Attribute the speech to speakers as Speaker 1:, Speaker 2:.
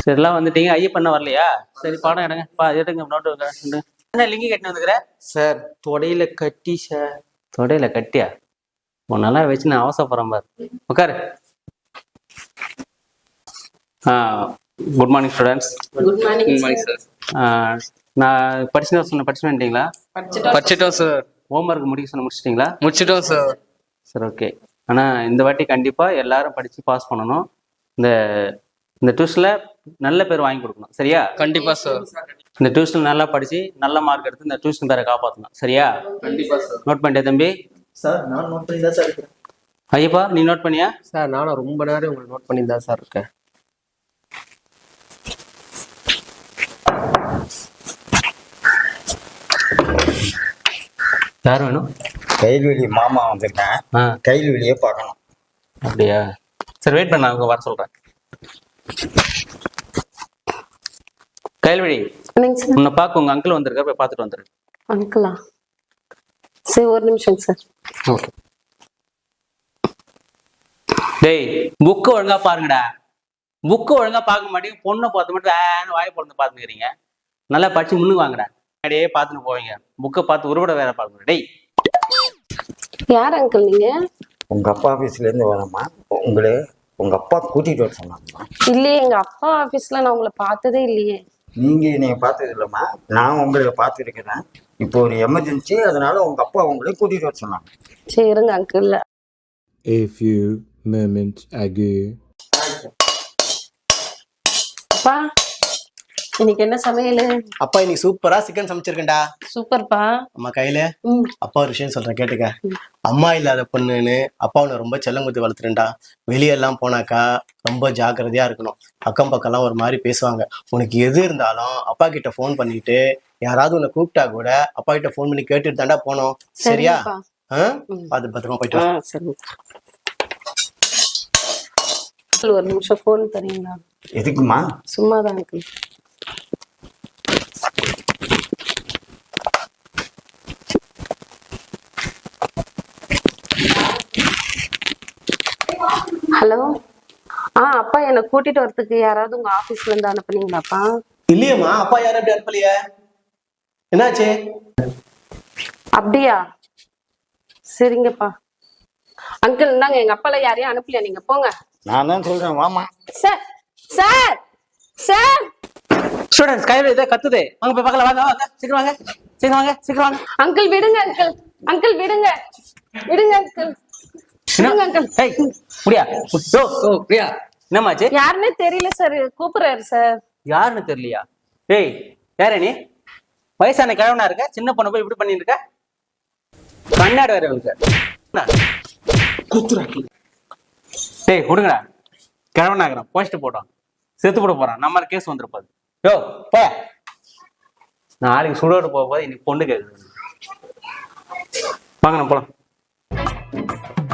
Speaker 1: சரிலாம் வந்துட்டீங்க. ஐயப்பண்ண வரலையா? சரி பாடம் எடுங்க. எடுங்க நோட்டு. என்ன லிங்கி கட்டினு வந்துக்கிற
Speaker 2: சார்?
Speaker 1: தொடையில கட்டி சார். தொடையில கட்டியா? உன்னெல்லாம் வச்சு நான் அவசரப்படுறேன் பாரு. உட்காரு. Good morning students.
Speaker 3: Good morning
Speaker 2: sir.
Speaker 1: நான் படிச்சுட்டு சொன்ன படிச்சு வந்துட்டீங்களா?
Speaker 2: படிச்சிட்டோம் சார்.
Speaker 1: ஹோம்ஒர்க் முடிக்க சொன்ன முடிச்சிட்டிங்களா?
Speaker 2: முடிச்சிட்டோம் சார்.
Speaker 1: சரி ஓகே. ஆனால் இந்த வாட்டி கண்டிப்பாக எல்லாரும் படித்து பாஸ் பண்ணணும். இந்த இந்த டியூஷனில் நல்ல பேர் வாங்கி கொடுக்கணும். சரியா?
Speaker 2: கண்டிப்பா சார்.
Speaker 1: இந்த டியூஷன் நல்லா படித்து நல்ல மார்க் எடுத்து இந்த டியூஷன் பேரை காப்பாற்றணும். சரியா?
Speaker 2: கண்டிப்பா சார்.
Speaker 1: நோட் பண்ணிட்டே தம்பி?
Speaker 4: சார் நான் நோட் பண்ணி தான் சார் இருக்கேன்.
Speaker 1: ஐயப்பா நீ நோட் பண்ணியா?
Speaker 4: சார் நானும் ரொம்ப நேரம் உங்களை நோட் பண்ணி தான் சார் இருக்கேன்.
Speaker 1: யார் வேணும்?
Speaker 5: கைல்வெளி மாமா வந்திருக்கேன். கைல்வெளியே பார்க்கணும்.
Speaker 1: அப்படியா? சரி வெயிட் பண்ண, அவங்க வர சொல்றேன். கைல்வெளி உன்னை பார்க்க உங்க அங்கிள் வந்திருக்காரு, போய் பார்த்துட்டு வந்துரு.
Speaker 3: அங்கிளா? சரி ஒரு நிமிஷம் சார்.
Speaker 1: ஓகே. டேய் புக்கு ஒழுங்கா பாருங்கடா. புக்கு ஒழுங்கா பார்க்க மாட்டேங்க. பொண்ணை பார்த்து மட்டும் வாயை பொண்ணு பார்த்துக்கிறீங்க. நல்லா படிச்சு முன்னுக்கு வாங்கடா. அப்படியே பார்த்துன்னு போவீங்க. புக்கை பார்த்து உருவட வேற பார்க்கணும். டேய்
Speaker 3: யார் அங்கிள் நீங்க?
Speaker 5: உங்க அப்பா ஆபீஸ்ல இருந்து வரமா? உங்க அப்பா கூட்டிட்டு வர சொன்னாங்கம்மா.
Speaker 3: இல்லையே, எங்க அப்பா ஆபீஸ்ல நான் உங்களை பார்த்ததே இல்லையே.
Speaker 5: நீங்க என்னைய பார்த்தது இல்லம்மா, நான் உங்களை பார்த்துருக்கிறேன். இப்போ ஒரு எமர்ஜென்சி, அதனால உங்க அப்பா உங்களை கூட்டிட்டு வர சொன்னாங்க.
Speaker 3: சரி இருங்க uncle.
Speaker 6: A few moments ago.
Speaker 3: அப்பா இன்னைக்கு என்ன சமையல்?
Speaker 4: அப்பா இன்னைக்கு சூப்பரா சிக்கன் சமைச்சிருக்கேன்டா.
Speaker 3: சூப்பர்ப்பா.
Speaker 4: அம்மா கையில அப்பா ஒரு விஷயம் சொல்றேன் கேட்டுக்க. அம்மா இல்லாத பொண்ணுன்னு அப்பா உன்னை ரொம்ப செல்லம் குத்தி வளர்த்துறேன்டா. வெளியெல்லாம் போனாக்கா ரொம்ப ஜாக்கிரதையா இருக்கணும். அக்கம் பக்கம்லாம் ஒரு மாதிரி பேசுவாங்க. உனக்கு எது இருந்தாலும் அப்பா கிட்ட ஃபோன் பண்ணிட்டு, யாராவது உன்னை கூப்பிட்டா கூட அப்பா கிட்ட ஃபோன் பண்ணி கேட்டுட்டு தாண்டா போனோம். சரியா? பார்த்து பத்திரமா போயிட்டு வா.
Speaker 3: சரி. ஒரு நிமிஷம் ஃபோன் தரீங்களா?
Speaker 5: எதுக்குமா?
Speaker 3: சும்மாதான் அங்கிள். ஹலோ. அப்பா என்னை கூட்டிட்டு வரதுக்கு யாராவது உங்க ஆபீஸ்ல இருந்து அனுப்புனீங்களாப்பா?
Speaker 4: இல்லையம்மா, அப்பா யாரும் அப்படி அனுப்பலையே. என்னாச்சு?
Speaker 3: அப்படியா? சரிங்கப்பா. அங்கிள் இந்தாங்க, எங்க அப்பால யாரையும் அனுப்பலையா? நீங்க போங்க.
Speaker 5: நான் தான் சொல்றேன் வாமா.
Speaker 3: Sir sir sir.
Speaker 1: ஸ்டூடெண்ட்ஸ் கையில இதை கத்துது. வாங்க போய் பார்க்கலாம். வாங்க வாங்க சீக்கிரம் வாங்க, சீக்கிரம் வாங்க, சீக்கிரம் வாங்க.
Speaker 3: அங்கிள் விடுங்க, அங்கிள் அங்கிள் விடுங்க, விடுங்க அங்கிள், விடுங்க அங்கிள்.
Speaker 1: ஏய் முடியா? பிரியா என்னமாச்சு?
Speaker 3: யாருன்னே தெரியல சார், கூப்பிடுறாரு சார்.
Speaker 1: யாருன்னு தெரியலையா? ஏய் யார நீ? வயசான கிழவனா இருக்க, சின்ன பொண்ணு போய் இப்படி பண்ணிட்டு இருக்க. கண்ணாடி வேற இருக்கு. டேய் விடுங்கடா. கிழவனாகிறேன் போஸ்ட் போட்டோம், செத்து போட போறான். நம்ம கேஸ் வந்துருப்பாது. யோ போ. நாளைக்கு சுடோடு போகும்போது இன்னைக்கு பொண்ணு கேக்குது. வாங்க நம்ம போலாம்.